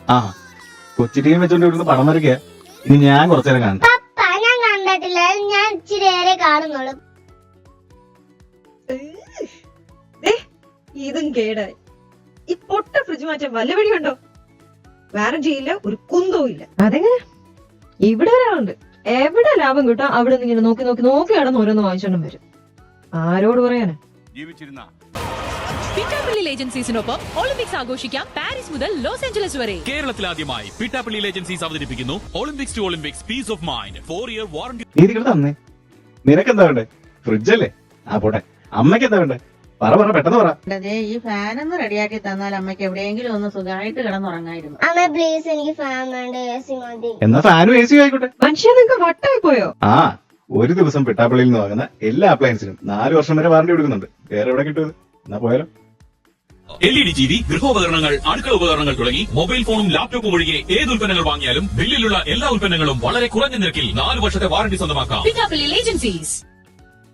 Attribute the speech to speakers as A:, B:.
A: ആ കൊച്ചു ടീം വെച്ചോണ്ട് ഇവിടുന്ന് പടം വരയ്ക്കുക. ഇനി ഞാൻ കുറച്ചേരം കാണട്ടെ.
B: പപ്പ ഞാൻ കണ്ടിട്ടില്ല, ഞാൻ ഇച്ചിരി നേരെ കാണുന്നുള്ളൂ.
C: ഇതും കേടായി. ഈ പൊട്ട ഫ്രിഡ്ജ് മാറ്റാൻ വല്ല വഴിയുണ്ടോ? വാറന്റി ഇല്ല, ഒരു കുന്തവും ഇല്ല. അതെങ്ങനെ? ഇവിടെ ഒരാളുണ്ട്, എവിടെ ലാഭം കിട്ടാം അവിടെ നിന്ന് ഇങ്ങനെ നോക്കി നോക്കി നോക്കി കടന്ന് ഓരോന്ന് വാങ്ങിച്ചോണ്ടും വരും. ആരോട് പറയാനാ?
D: ജീവിച്ചിരുന്ന
E: പിറ്റാപ്പള്ളി ഏജൻസീസിനൊപ്പം ഒളിമ്പിക്സ് ആഘോഷിക്കാം. പാരീസ് മുതൽ ലോസ് ഏഞ്ചലസ് വരെ.
D: കേരളത്തിലാദ്യമായി പിറ്റാപ്പള്ളി ഏജൻസീസ് അവതരിപ്പിക്കുന്നു Olympics to Olympics peace of mind 4-year warranty.
A: നീ ഇവിടെ തന്നേ. നിനക്കെന്താ വേണ്ടേ? ഫ്രിഡ്ജല്ലേ? ആ പോട്ടെ. അമ്മയ്ക്ക് എന്താ വേണ്ടേ? പറ പെട്ടെന്ന് പറ.
F: ഈ ഫാനൊന്ന് റെഡിയാക്കി തന്നാൽ അമ്മയ്ക്ക് എവിടെയെങ്കിലും ഒന്ന് സുഖമായിട്ട് കിടന്നുറങ്ങായിരുന്നു.
B: അമ്മ പ്ലീസ്, എനിക്ക് ഫാൻ വേണ്ട, AC മതി.
A: എന്നാ ഫാനും AC ആയിക്കോട്ടെ.
C: മനുഷ്യ നിങ്ങൾക്ക് വട്ടായി പോയോ?
A: ആ ഒരു ദിവസം പിട്ടാപ്പള്ളിയിൽ നിന്ന് വാങ്ങുന്ന എല്ലാ അപ്ലയൻസിനും 4 വർഷം വരെ വാറന്റി കൊടുക്കുന്നുണ്ട്. വേറെ എവിടെ കിട്ടും? എന്നാ പോയാലോ.
D: LED TV, ഗൃഹോപകരണങ്ങൾ, അടുക്കള ഉപകരണങ്ങൾ തുടങ്ങി മൊബൈൽ ഫോണും ലാപ്ടോപ്പും ഒഴികെ ഏത് ഉൽപ്പന്നങ്ങൾ വാങ്ങിയാലും ബില്ലിലുള്ള എല്ലാ ഉൽപ്പന്നങ്ങളും വളരെ കുറഞ്ഞ നിരക്കിൽ 4 വർഷത്തെ വാറന്റി സ്വന്തമാക്കാം.
E: പിറ്റാപ്പള്ളി ഏജൻസീസ്.